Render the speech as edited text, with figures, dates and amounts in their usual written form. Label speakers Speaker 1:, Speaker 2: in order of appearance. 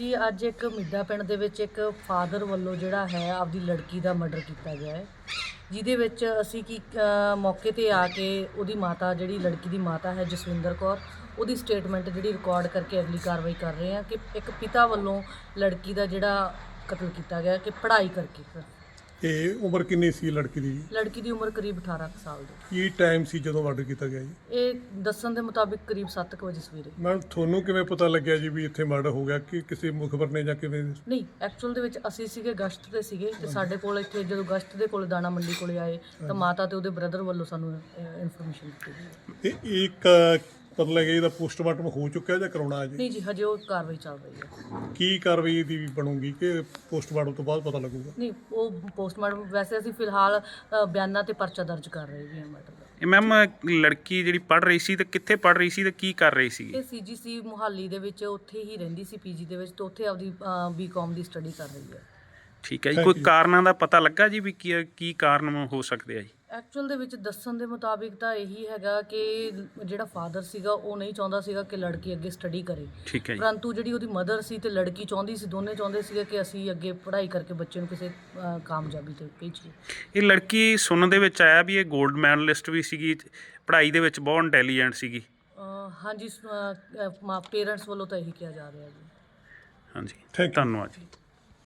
Speaker 1: ਜੀ ਅੱਜ ਇੱਕ ਮਿੱਡਾ ਪਿੰਡ ਦੇ ਵਿੱਚ ਇੱਕ ਫਾਦਰ ਵੱਲੋਂ ਜਿਹੜਾ ਹੈ ਆਪਦੀ ਲੜਕੀ ਦਾ ਮਰਡਰ ਕੀਤਾ ਗਿਆ ਹੈ, ਜਿਹਦੇ ਵਿੱਚ ਅਸੀਂ ਮੌਕੇ ਤੇ ਆ ਕੇ ਉਹਦੀ ਮਾਤਾ ਜਿਹੜੀ ਲੜਕੀ ਦੀ ਮਾਤਾ ਹੈ ਜਸਵਿੰਦਰ ਕੌਰ, ਉਹਦੀ ਸਟੇਟਮੈਂਟ ਜਿਹੜੀ ਰਿਕਾਰਡ ਕਰਕੇ ਅਗਲੀ ਕਾਰਵਾਈ ਕਰ ਰਹੇ ਹਾਂ ਕਿ ਇੱਕ ਪਿਤਾ ਵੱਲੋਂ ਲੜਕੀ ਦਾ ਜਿਹੜਾ ਕਤਲ ਕੀਤਾ ਗਿਆ ਕਿ ਪੜ੍ਹਾਈ ਕਰਕੇ।
Speaker 2: ਇਹ ਉਮਰ ਕਿੰਨੀ ਸੀ ਲੜਕੀ ਦੀ?
Speaker 1: ਲੜਕੀ ਦੀ ਉਮਰ ਕਰੀਬ 18 ਸਾਲ ਦੀ।
Speaker 2: ਕੀ ਟਾਈਮ ਸੀ ਜਦੋਂ ਮਰਡਰ ਕੀਤਾ ਗਿਆ ਜੀ?
Speaker 1: ਇਹ ਦੱਸਣ ਦੇ ਮੁਤਾਬਿਕ ਕਰੀਬ 7 ਵਜੇ ਸਵੇਰੇ।
Speaker 2: ਮੈਮ ਤੁਹਾਨੂੰ ਕਿਵੇਂ ਪਤਾ ਲੱਗਿਆ ਜੀ ਵੀ ਇੱਥੇ ਮਰਡਰ ਹੋ ਗਿਆ? ਕਿ ਕਿਸੇ ਮੁਖਬਰ ਨੇ ਜਾਂ ਕਿਵੇਂ? ਨਹੀਂ,
Speaker 1: ਐਕਚੁਅਲ ਦੇ ਵਿੱਚ ਅਸੀਂ ਸੀਗੇ ਗਸ਼ਤ ਤੇ ਸੀਗੇ ਤੇ ਸਾਡੇ ਕੋਲ ਇੱਥੇ ਜਦੋਂ ਗਸ਼ਤ ਦੇ ਕੋਲ ਦਾਣਾ ਮੰਡੀ ਕੋਲੇ ਆਏ ਤਾਂ ਮਾਤਾ ਤੇ ਉਹਦੇ ਬ੍ਰਦਰ ਵੱਲੋਂ ਸਾਨੂੰ ਇਨਫੋਰਮੇਸ਼ਨ ਦਿੱਤੀ।
Speaker 2: ਤੇ ਇੱਕ ਪਤਾ ਲੱਗਿਆ ਇਹਦਾ ਪੋਸਟਮਾਰਟਮ ਹੋ ਚੁੱਕਿਆ ਜਾਂ ਕਰਾਉਣਾ ਜੀ?
Speaker 1: ਨਹੀਂ ਜੀ, ਹਜੇ ਉਹ ਕਾਰਵਾਈ ਚੱਲ ਰਹੀ ਹੈ।
Speaker 2: ਕੀ ਕਾਰਵਾਈ ਦੀ ਬਣੂਗੀ ਕਿ ਪੋਸਟਮਾਰਟਮ ਤੋਂ ਬਾਅਦ ਪਤਾ ਲੱਗੂਗਾ?
Speaker 1: ਨਹੀਂ, ਉਹ ਪੋਸਟਮਾਰਟਮ ਵੈਸੇ ਅਸੀਂ ਫਿਲਹਾਲ ਬਿਆਨਾਂ ਤੇ ਪਰਚਾ ਦਰਜ ਕਰ ਰਹੇ ਹਾਂ ਮੈਟਰ ਦਾ।
Speaker 3: ਇਹ ਮੈਮ ਲੜਕੀ ਜਿਹੜੀ ਪੜ੍ਹ ਰਹੀ ਸੀ ਤੇ ਕਿੱਥੇ ਪੜ੍ਹ ਰਹੀ ਸੀ ਤੇ ਕੀ ਕਰ ਰਹੀ ਸੀ?
Speaker 1: ਇਹ ਸੀਜੀਸੀ ਮੁਹਾਲੀ ਦੇ ਵਿੱਚ ਉੱਥੇ ਹੀ ਰਹਿੰਦੀ ਸੀ ਪੀਜੀ ਦੇ ਵਿੱਚ, ਤੇ ਉੱਥੇ ਆਪਦੀ ਬੀਕਾਮ ਦੀ ਸਟੱਡੀ ਕਰ ਰਹੀ ਹੈ।
Speaker 3: ਠੀਕ ਹੈ ਜੀ, ਕੋਈ ਕਾਰਨਾਂ ਦਾ ਪਤਾ ਲੱਗਾ ਜੀ ਵੀ ਕੀ ਕਾਰਨ ਹੋ ਸਕਦੇ ਆ ਜੀ?
Speaker 1: ਐਕਚੁਅਲ ਦੇ ਵਿੱਚ ਦੱਸਣ ਦੇ ਮੁਤਾਬਿਕ ਤਾਂ ਇਹੀ ਹੈਗਾ ਕਿ ਜਿਹੜਾ ਫਾਦਰ ਸੀਗਾ ਉਹ ਨਹੀਂ ਚਾਹੁੰਦਾ ਸੀਗਾ ਕਿ ਲੜਕੀ ਅੱਗੇ ਸਟੱਡੀ ਕਰੇ।
Speaker 3: ਠੀਕ ਹੈ ਜੀ।
Speaker 1: ਪਰੰਤੂ ਜਿਹੜੀ ਉਹਦੀ ਮਦਰ ਸੀ ਤੇ ਲੜਕੀ ਚਾਹੁੰਦੀ ਸੀ, ਦੋਨੇ ਚਾਹੁੰਦੇ ਸੀਗੇ ਕਿ ਅਸੀਂ ਅੱਗੇ ਪੜ੍ਹਾਈ ਕਰਕੇ ਬੱਚੇ ਨੂੰ ਕਿਸੇ ਕਾਮਯਾਬੀ ਤੇ ਭੇਜੀਏ।
Speaker 3: ਇਹ ਲੜਕੀ ਸੁਣਨ ਦੇ ਵਿੱਚ ਆਇਆ ਵੀ ਇਹ 골ਡ ਮੈਡਲਿਸਟ ਵੀ ਸੀਗੀ, ਪੜ੍ਹਾਈ ਦੇ ਵਿੱਚ ਬਹੁਤ ਇੰਟੈਲੀਜੈਂਟ ਸੀਗੀ।
Speaker 1: ਹਾਂਜੀ, ਪੇਰੈਂਟਸ ਵੱਲੋਂ ਤਾਂ ਇਹੀ ਕਿਹਾ ਜਾ ਰਿਹਾ ਜੀ।
Speaker 3: ਹਾਂਜੀ, ਧੰਨਵਾਦ ਜੀ।